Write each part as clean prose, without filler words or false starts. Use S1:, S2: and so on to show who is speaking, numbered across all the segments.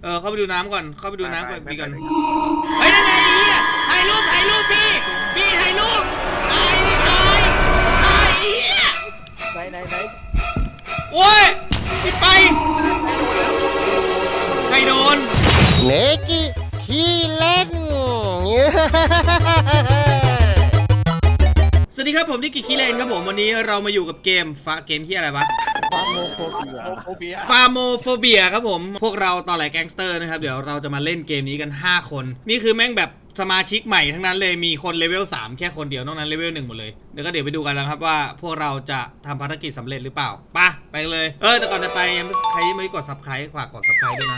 S1: เข้าไปดูน้ำก่อนเข้าไปดูน้ำก่อนพี่ก่อนเฮ้ยนั่นไงถ่ายรูปพี่ถ่ายรูปถ่ายเหี้ย
S2: ไหน
S1: โอ้ยปิดไปใครโดน
S3: เนกิขี้เล่น
S1: สวัสดีครับผมนิกกี้คีเลนครับผมวันนี้เรามาอยู่กับเกมที่อะไรวะ
S2: ฟาร์โมโฟเ
S1: บียครับผมพวกเราตอแหลแก๊งสเตอร์นะครับเดี๋ยวเราจะมาเล่นเกมนี้กัน5คนนี่คือแม่งแบบสมาชิกใหม่ทั้งนั้นเลยมีคนเลเวล3แค่คนเดียวนอกนั้นเลเวล1หมดเลยเดี๋ยวไปดูกันนะครับว่าพวกเราจะทำภารกิจสำเร็จหรือเปล่าไปเลยแต่ก่อนจะไปยังใครไม่กด Subscribe ฝากกด Subscribe ด้วยนะ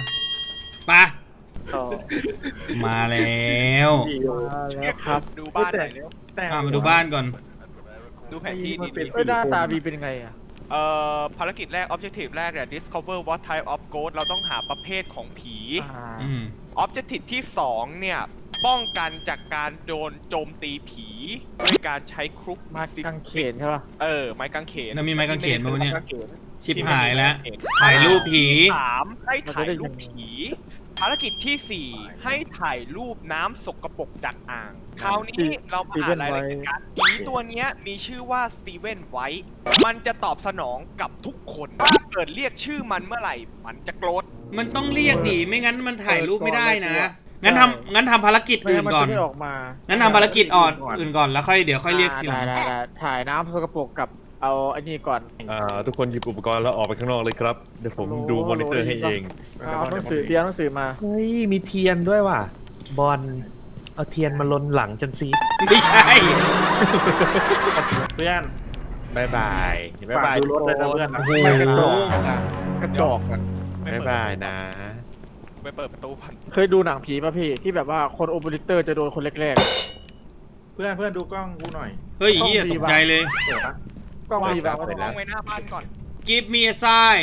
S1: มาแล้ว
S2: ครับ
S4: ดูบ้านหน่อยเร็ว
S1: มาดูบ้านก่อน
S4: ดูแผนที่นี่
S2: หน้าตาบีเป็นยังไงอ่ะ
S4: ภารกิจแรก Objective แรกเนี่ย Discover what type of ghost เราต้องหาประเภทของผี Objective ที่2เนี่ยป้องกันจากการโดนโจมตีผีด้วยการใช้ครุก
S2: ไม้กางเขนใช่ป่ะ
S4: ไม้กางเขน
S1: แล้วมีไม้กางเขนมั้ยเนี่ยชิบหายแล้วถ่ายรูปผี
S4: 3ให้ถ่ายรูปผีภารกิจที่4ให้ถ่ายรูปน้ำสกปรกจากอ่างคราวนี้เรามาอ่านรายละเอียดกันผีตัวนี้มีชื่อว่าสตีเวนไวท์มันจะตอบสนองกับทุกคนถ้าเกิดเรียกชื่อมันเมื่อไหร่มันจะโกรธ
S1: มันต้องเรียกดิไม่งั้นมันถ่ายรูปไม่ได้นะงั้นทำภารกิจอื่นก่อนงั้นทำภารกิจอื่นก่อนแล้วเดี๋ยวค่อยเรียกทีหลัง
S2: ถ่ายน้ำสกปรกกับเอาอันนี้ก่อน
S5: ทุกคนหยิบอุปกรณ์แล้วออกไปข้างนอกเลยครับเดี๋ยวผมดูมอนิเตอร์ให้เอง
S2: เอาหนังสือมา
S5: เฮ้ยมีเทียนด้วยว่ะบอลเอาเทียนมาลนหลังจันซี
S1: ไม่ใช่
S5: เพื่อนบาย
S2: ดูรถเลยนะเพื่อนไม่กระจอกกัน
S5: บายนะ
S4: ไปเปิดประตูพัน
S2: เคยดูหนังผีป่ะพี่ที่แบบว่าคนโอเปอเรเตอร์จะโดนคนแรก
S5: ๆเพื่อนดูกล้องกูหน่อย
S1: เฮ้ยตกใจเลย
S2: กล้องมีแบบ
S4: กล้องไว้หน้าบ้านก่อน
S1: Give me a sign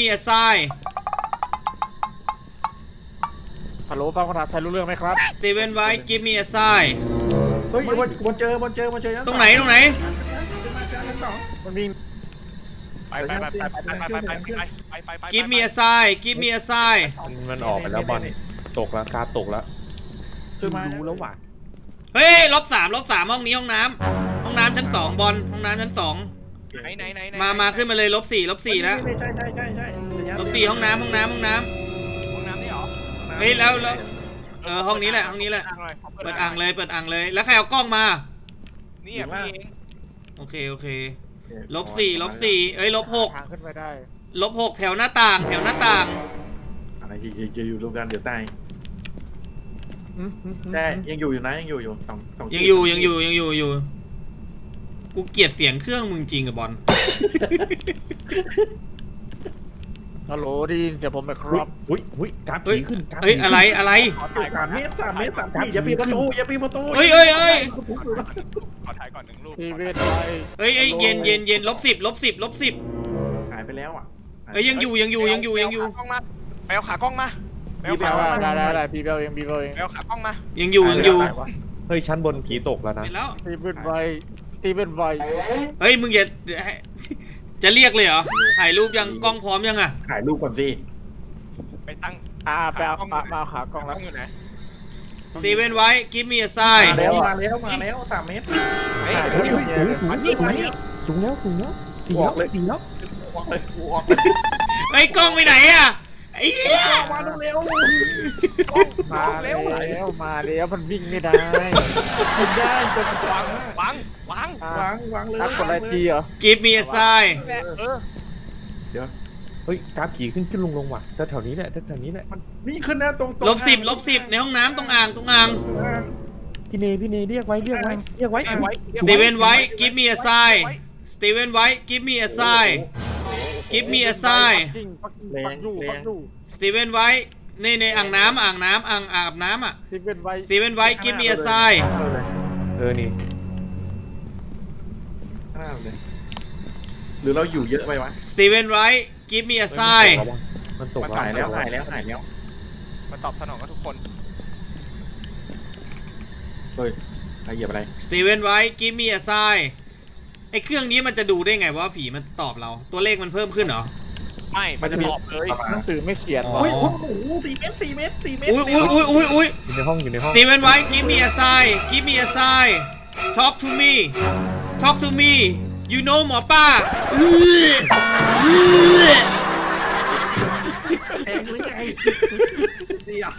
S2: ฮัลโหลฟังภาษาไทยรู้เรื่องไหมครับ
S1: Steven White Give me a sign
S5: เฮ้ยบนเจอ
S1: ตรงไหน
S2: มันวิ่ง
S4: ไป
S1: Give me a sign
S5: มันออกไปแล้วบอลตกแล้วกาตกแล้วรู้แล้วว่ะ
S1: เฮ้ย-3 ห้องนี้ห้องน้ำชั้น2บอลห้องน้ำชั้น2
S4: ไหน
S1: มาขึ้นมาเลย-4แล้ว
S5: ใช่
S1: -4ห้องน้ำ
S4: นี่หรอ
S1: เฮ้ยแล้วห้องนี้แหละเปิดอ่างเลยแล้วใครเอากล้องมา
S4: นี่อ่ะพี่เอง
S1: โอเค-4เอ้ย-6
S2: ขึ้นไปได้
S1: -6แถวหน้าต่าง
S5: อะไรจะอยู่รวมกันเดี๋ยวตายใช่ยังอยู่นะยังอยู่
S1: กูเกลียดเสียงเครื่องมึงจริงกับบอล
S2: ฮัลโหลดีเดี๋ยวผมไปครับ
S5: อุ้ยกราฟผีขึ้น
S1: เฮ้ยอะไร
S5: 3 เมตรอย่าปีนประตู
S1: เฮ้ย
S4: ขอถ่ายก่อน1รูป
S1: เฮ้ยเย็น-10
S5: หายไปแล้วอ่ะ
S1: เฮ้ยยังอยู่
S4: ไปเอาขากล้องมา
S2: ได้พี่เบลเอง
S4: ไปเอาขากล้องมา
S1: ยังอยู่
S5: เฮ้ยชั้นบนผีตกแล้วนะ
S2: สตีเวนไวท์
S1: เฮ้ยมึงจะเรียกเลยเหรอถ่ายรูปยังกล้องพร้อมยังอะ
S5: ถ่ายรูปก่อนสิ
S4: ไปตั้ง
S2: ไปเอามาขากล้องแล้ว
S4: อยู่ไหน
S1: Steven White Give me a sign
S5: มาแล้ว3 เมตรสูงแล้ว4 แล้ว
S1: เฮ้ยกล้องไปไหนอะไอ้เหี้ย
S5: มาเร็ว
S2: มาแล้วมันวิ่งไม่ได้
S4: ตัววาง
S2: เลยกดอะไรทีเหรอ
S1: Give me a sign
S5: เดี๋ยวเฮ้ยกราฟผีขึ้นลงว่ะแถวนี้แหละมันนี่ขึ้นนะตรง
S1: -10ในห้องน้ำตรงอ่าง
S5: พี่เนเรียกไว้
S1: Steven White Give me a sign Steven White Give me a sign Steven White ในอ่างน้ำอาบน้ำอ่ะ Steven White Give me a sign
S5: นี่หรือเราอยู่เยอะไปวะ
S1: Steven White Give me a sign
S5: มันตกหายแล้ว
S4: มันตอบสนองกับทุกคน
S5: เฮ้ยใครเหยียบอะไร
S1: Steven White Give me a sign ไอ้เครื่องนี้มันจะดูได้ไงว่าผีมันตอบเราตัวเลขมันเพิ่มขึ้นเหรอ
S4: ไม่มันจะตอบเลย
S2: หนังสือไม่เขียน
S5: อุ้ยโอ้โห4 เมตร4 เมตร
S1: อุ้ย
S5: อยู่ในห้องอยู่ในห้อง
S1: Steven White give me a sign give me a sign talk to me talk to me you know หมอป้า
S5: แทงหรือไงเดี๋ยว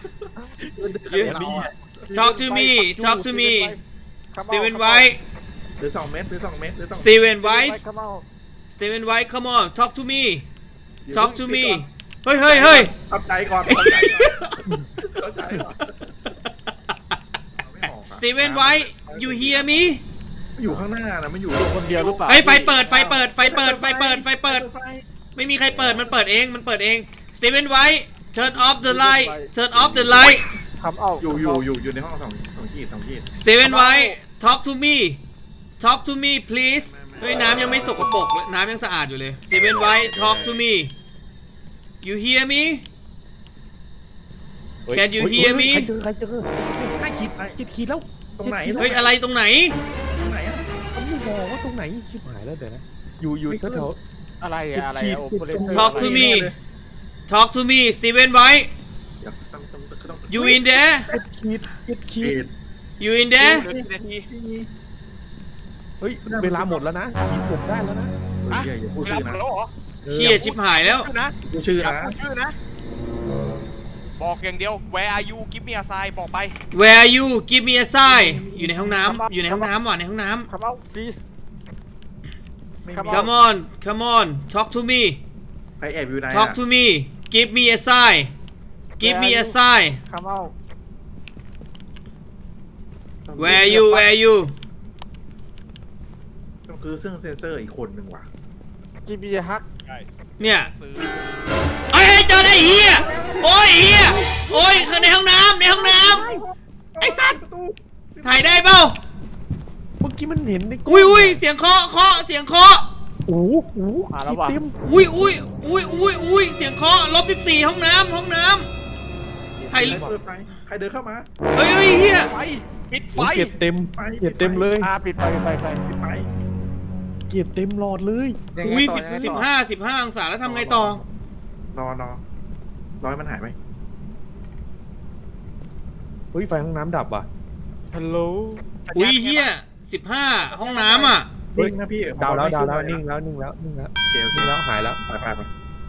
S1: talk to me talk to me Steven White
S5: หรือ2 เมตรหรือ2 เมตรหรือ2
S1: Steven White
S2: เข้ามา
S1: Steven White come on talk to me talk to me เฮ้ยเฮ้ยเฮ้ย
S5: ทำใจก่อนเข้าใจก่อน
S1: Steven White you hear me
S5: อยู่ข้างหน้านะมันอยู่
S2: คนเดียวหรือเปล่า
S1: เฮ้ยไฟเปิดไฟเปิดไฟเปิดไฟเปิดไฟเปิดไม่มีใครเปิดมันเปิดเองมันเปิดเอง Steven White turn off the light turn off the light
S2: คำเอา
S5: อยู่ในห้อง2 ขีด
S1: Steven White talk to me talk to me please เฮ้ยน้ำยังไม่สกปรกเลยน้ำยังสะอาดอยู่เลย Steven White talk to me you hear me can you hear me
S3: ใครเจอ7 ขีดแล้ว
S5: ตรงไหน
S1: เฮ้ยอะไรตรงไหน
S5: ตรงไหนอ่ะ
S3: ผมไม่บอกว่าตรงไหนชิบหายแล้วเดี๋ยวนะอยู่แถว
S2: อะไรอะอะไรอะโอเปอเรเตอร์
S1: Talk to me talk to me Steven White
S5: ต้อง
S1: you in there
S3: 7 ขีด
S1: you in there
S4: เหลือกี่นาที
S3: เฮ้ยเวลาหมดแล้วนะขีดผมได้แล้วนะ
S5: อย่าพูด
S4: เวลา
S5: ชื่อ
S4: หมด
S5: นะ
S4: แล้วเหรอ
S1: เชี่ยชิบหายแล้ว
S4: ชื่อนะ
S5: พูดชื่อ
S4: อย่า
S5: นะ
S4: พูดชื่อนะ บอกอย่างเดียว Where are you give me a sign บอกไป
S1: Where are you give me a sign อยู่ในห้องน้ำอยู่ในห้องน้ำว่ะในห้องน้
S2: คำเอา please
S1: ำ come on come on talk to me
S5: ใครแอบอยู่ไหน
S1: talk to me give me a sign give me a sign
S2: คำเอา
S1: where are you where are you
S5: ต้องคือเครื่องเซนเซอร์อีกคนหนึ่งว่ะ
S2: จีบีฮัก
S1: เนี่ยเฮ้ยเจอแล้วไอ้เหี้ยโอ้ยเหี้ยโอ้ยคือในห้องน้ำในห้องน้ำไอ้สัตว์ถ่ายได้เปล่า
S3: เมื่อกี้มันเห็นใน
S1: อุ้ยเสียงเคาะเสียงเคาะ
S3: โอ้โหขีดเต็ม
S1: อุ้ยเสียงเคาะ-14ห้องน้ำใคร
S5: เปิดไฟใครเดินเข้ามา
S1: เฮ้ยเฮีย
S4: ไฟปิดไฟ
S3: เกียดเต็มเกียดเต็มเลย
S2: ปิดไฟ
S5: ปิดไฟ
S3: เกียดเต็มหลอดเลย
S1: อุ้ย15องศาแล้วทำไงต่อ
S5: รอร้อยมันหายไหม
S3: เฮ้ยไฟห้องน้ำดับว่ะ
S2: ฮัลโหล
S1: อุ้ยเฮีย15ห้องน้ำอ่ะ
S5: นิ่งนะพี่
S3: ดาวแล้วนิ่งแล้วนิ่งแล้ว
S5: โอเค
S3: นิ่งแล้วหายแล้ว
S5: ไป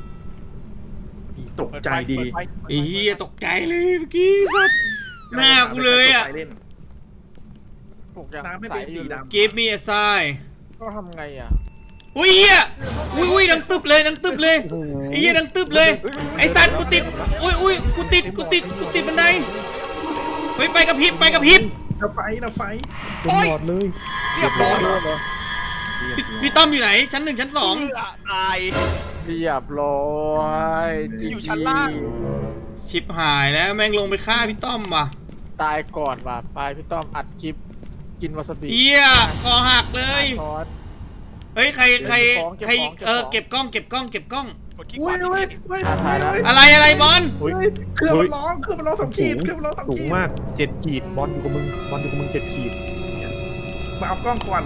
S5: ตกใจดี
S1: ไอ้เฮียตกใจเลยเมื่อกี้สัตว์หน้ากูเลยอ่ะ
S2: ปลุกยัง
S5: น้ำไม่เป็นสีดำ
S1: Give me a sign
S2: ก็ทำไงอ่ะ
S1: อุ้ยเฮียอุ้ยดังตึบเลยไอ้เฮียดังตึบเลยไอ้สัตว์กูติดอุ้ยกูติดบันไดเฮ้ยไฟกระพริบ
S5: เราไฟ
S3: เต็มหลอดเลย
S4: เรียบร้อย
S1: พี่ต้อมอยู่ไหนชั้น1ชั้น2
S4: ตาย
S2: เรียบร้อย
S4: อยู่ชั้นล่าง
S1: ชิบหายแล้วแม่งลงไปฆ่าพี่ต้อมว่ะ
S2: ตายก่อนว่ะไปพี่ต้อมอัดคลิปกินวาซาบิ
S1: เฮียคอหักเลย
S2: ทอด
S1: เฮ้ยใครเก็บกล้อง
S4: กดขี้ข
S5: อุ้
S4: วาย
S1: อะไรบอล
S5: เครื่องมันร้อง2 ขีดเครื่องมันร้อง2
S3: สู
S5: ขี
S3: ง
S5: ด
S3: มาก7 ขีดบอลอยู่กับมึง7 ขีด
S5: มาเอากล้องก่อน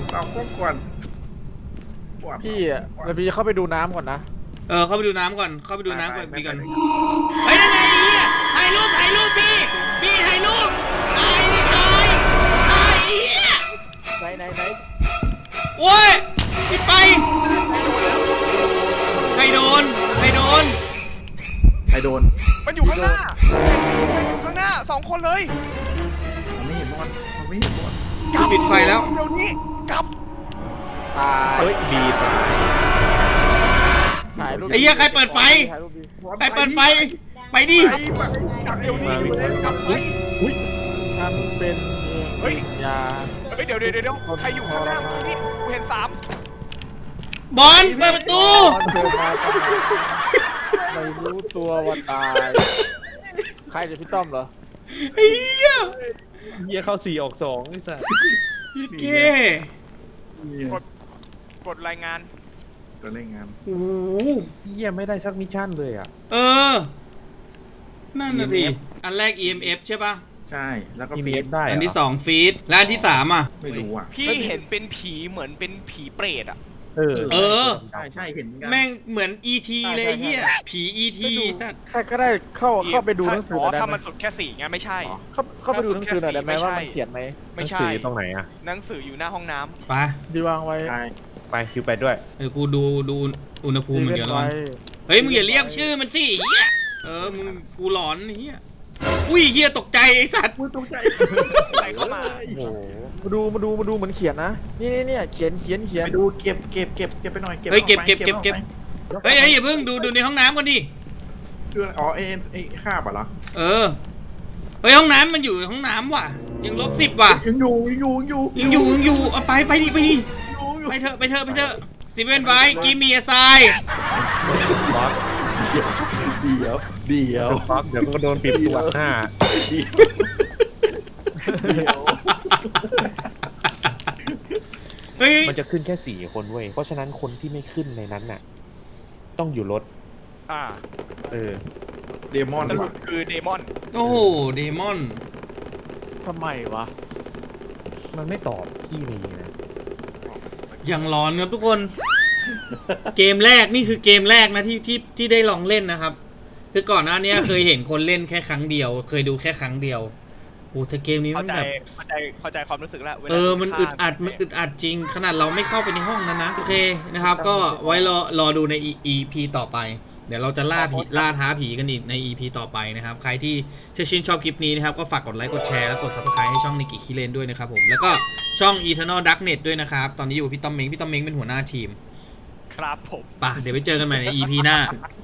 S2: พี่อ่ะแล้วพี่เข้าไปดูน้ำก่อนนะ
S1: เข้าไปดูน้ำก่อนพี่ก่อนเฮ้ยนั่นไงถ่ายรูปพี่ถ่ายรูปตายเฮีย
S2: ไหน
S1: โอ้ยปิดไปใครโดน
S4: มันอยู่ข้างหน้า2 คนเลย
S5: มันไม่เห็นบอล
S1: ปิดไฟแล้ว
S4: เดี๋ยวนี้กลับ
S2: ตาย
S3: เฮ้ยบีบ
S2: ถ่ายรูป
S1: ไอ้เหี้ยใครเปิดไฟ
S2: ถ่ายรูปดิ
S1: ไปดิ
S5: เดี๋ยวนี้กลับไป
S2: ฉันเป็นเฮ้ยยา
S4: เดี๋ยวใครอยู่ข้างหน้าเมื่อกี้นี่กูเห็น3
S1: บอลเปิดประตู
S2: ตอนเดินมาไม่รู้ตัวว่าตายใครจะพี่ต้อมเหรอ
S1: ไอ้เหี้ย
S3: เหี้ยเข้า4ออก2ไอ้สัส
S1: เก
S4: กดรายงาน
S5: ก็เล่นงาน
S1: โอ้โห
S3: เหี้ยไม่ได้สักมิชชั่นเลยอ่ะ
S1: นั่นน่ะดิอันแรก EMF ใช่ป่ะ
S5: ใช่แล้วก็
S3: มี
S5: ฟี
S3: เม
S5: ด
S3: ฟได้
S1: อันที่2ฟีดและอันที่3อ่ะ
S5: ไม่รู้อ่ะ
S4: พี่เห็นเป็นผีเหมือนเป็นผีเปรตอ่ะ
S3: เออ
S1: เออ
S5: ใช่เห็นเหมือนกัน
S1: แม่งเหมือน ET เลยเฮียผี ET สัตว์
S2: ใครก็ได้เข้าไปดูหนังสือหน่อยได้
S4: ถ้า
S2: ไหม
S4: มันสุดแค่4ไงไม่ใช่
S2: เข้าไปดูหนังสือหน่อยได้ไหมว่ามันเขียนไหม
S4: ไม่
S3: หนัง
S4: ใช่
S3: สืออยู่ตรงไหนอ่ะ
S4: หนังสืออยู่หน้าห้องน้ำ
S1: ไป
S2: ดีวางไว้
S5: ใช่
S3: ไปคิวไปด้วย
S1: กูดูอุณหภูมิ
S2: ดี
S1: มัน
S2: เว้
S1: เดี๋ย
S2: น
S1: วแล้ว
S2: ไว้
S1: กันเฮ้ยมึงอย่าเรียกชื่อมันสิเฮียมึงกูหลอนเฮียอุ้ยเฮียตกใจไอ้สัตว์
S5: พูดตรงใจ
S4: ใส่เข้ามา
S3: โอ้โห
S2: มาดูเหมือนเขียนนะนี่เขียน
S5: ไปดูเก็บไปหน่อย
S1: เฮ้ยเก็บ
S5: ออกไป
S1: เฮ้ยอย่าเพิ่งดูในห้องน้ำก่อนดิ
S5: คืออะไรอ๋อไอ้คาบเหรอ
S1: เเฮ้ยห้องน้ำมันอยู่ในห้องน้ำว่ะยัง-10ว่ะ
S5: ยังอยู่
S1: เอาไปดิไปเถอะซีเว่นไว้กิมมี่อไซ
S3: ฟ็อก
S5: เดี๋ยว
S3: ฟ็อกเดี๋ยวก็โดนปิดตัวหน้า
S1: เฮ้ย
S3: มันจะขึ้นแค่4 คนเว้ย เพราะฉะนั้นคนที่ไม่ขึ้นในนั้นน่ะ ต้องอยู่รถ
S4: อ่า
S3: เออ
S5: เดมอน
S4: สรุปคือเดมอน
S1: โอ้โหเดมอน
S2: ทำไมวะ
S3: มันไม่ตอบพี่ในนี้นะ
S1: อย่างร้อนครับทุกคน เกมแรกนี่คือเกมแรกนะที่ได้ลองเล่นนะครับคือก่อนหน้านี้เคยเห็นคนเล่นแค่ครั้งเดียว เคยดูแค่ครั้งเดียวโอ้แต่เกมนี้มันแบบ
S4: เข้าใจความรู้สึกแล้ววลา
S1: มันอึดอัดจริง ขนาดเราไม่เข้าไปในห้องนั้นนะโอเคนะครับก็ไว้รอดูใน EP ต่อไป เดี๋ยวเราจะล่าท้าผีกันอีกใน EP ต่อไปนะครับใครที่ชื่นชอบคลิปนี้นะครับก็ฝากกดไลค์กดแชร์และกด Subscribe ให้ช่องนิกิคิเลนด้วยนะครับผมแล้วก็ช่อง Eternal Darknet ด้วยนะครับตอนนี้อยู่กับพี่ต้อมเม้งเป็นหัวหน้าทีม
S4: ครับผม
S1: ป่ะเดี๋ยวไปเจอกันใหม่ใน EP หน้า